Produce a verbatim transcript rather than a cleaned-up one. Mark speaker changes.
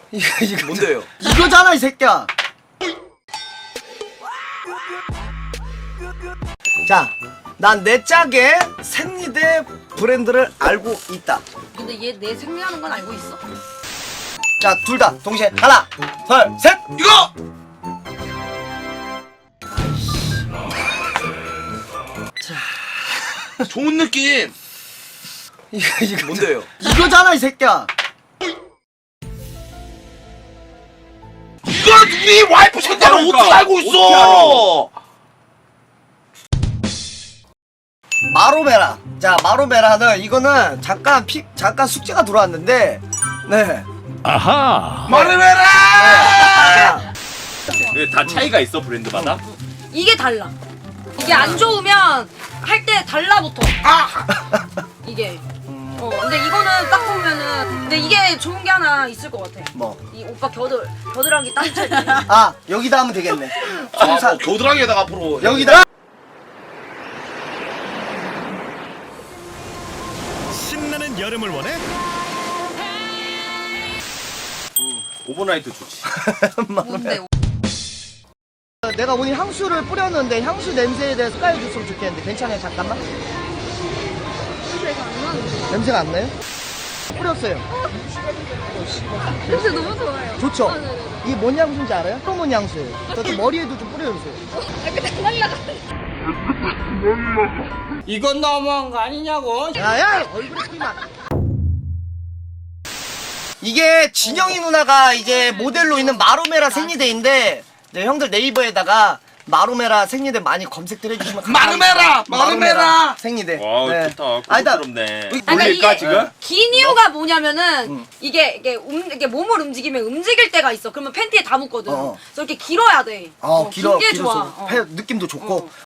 Speaker 1: 이거 이거
Speaker 2: 뭔데요?
Speaker 1: 이거잖아 이 새끼야. 자, 난 내 짝의 생리대 브랜드를 알고 있다.
Speaker 3: 근데 얘 내 생리하는 건 알고 있어?
Speaker 1: 자, 둘 다 동시에 하나, 둘, 셋.
Speaker 2: 이거! 좋은 느낌!
Speaker 1: 이거 이거
Speaker 2: 뭔데요?
Speaker 1: 이거잖아 이 새끼야.
Speaker 2: 이걸 우리 와이프 생대로
Speaker 4: 그러니까,
Speaker 2: 어떻게 알고 있어!
Speaker 1: 마로메라. 자, 마로메라는 이거는 잠깐 피 잠깐 숙제가 들어왔는데, 네.
Speaker 4: 아하.
Speaker 2: 말해라!
Speaker 4: 네, 다 차이가 있어 브랜드마다.
Speaker 3: 이게 달라. 이게 안 좋으면 할 때 달라붙어.
Speaker 2: 아!
Speaker 3: 이게. 어 근데 이거는 딱 보면은 근데 이게 좋은 게 하나 있을 것 같아.
Speaker 1: 뭐?
Speaker 3: 이 오빠 겨들 겨드랑이 따뜻할 때.
Speaker 1: 아, 여기다 하면 되겠네.
Speaker 2: 아,
Speaker 1: 송사
Speaker 2: 뭐 겨드랑이에다가 앞으로
Speaker 1: 여기다.
Speaker 5: 신나는 여름을 원해?
Speaker 4: 오버나이트 좋지.
Speaker 3: 뭔데?
Speaker 1: 내가 오늘 향수를 뿌렸는데 향수 냄새에 대해서 깔아줬으면 좋겠는데 괜찮아요? 잠깐만.
Speaker 3: 냄새가 안 나는데.
Speaker 1: 냄새가 안 나요? 뿌렸어요.
Speaker 3: 냄새 너무 좋아요.
Speaker 1: 좋죠?
Speaker 3: 아, 네네네.
Speaker 1: 이게 뭔 향수인지 알아요? 프로몬 향수예요. 저좀 머리에도 좀 뿌려주세요.
Speaker 3: 아 근데 날라가.
Speaker 6: 이건 너무한 거 아니냐고.
Speaker 1: 야야! 얼굴에 끼만. 이게 진영이 누나가 이제 모델로 있는 마로메라 생리대인데, 네, 형들 네이버에다가 마로메라 생리대 많이 검색들 해주시면
Speaker 2: 마르메라! 마르메라!
Speaker 1: 생리대.
Speaker 4: 와
Speaker 1: 네.
Speaker 4: 좋다.
Speaker 1: 아니다.
Speaker 4: 고급스럽네.
Speaker 3: 그러니까
Speaker 4: 올릴까
Speaker 3: 이게-
Speaker 4: 지금?
Speaker 3: 긴 이유가 뭐냐면은
Speaker 1: 응.
Speaker 3: 이게 이게, 움, 이게 몸을 움직이면 움직일 때가 있어. 그러면 팬티에 다 묻거든.
Speaker 1: 어.
Speaker 3: 그래서 이렇게 길어야 돼.
Speaker 1: 어, 길어,
Speaker 3: 긴게
Speaker 1: 길어서
Speaker 3: 좋아. 어.
Speaker 1: 폐 느낌도 좋고.
Speaker 3: 어.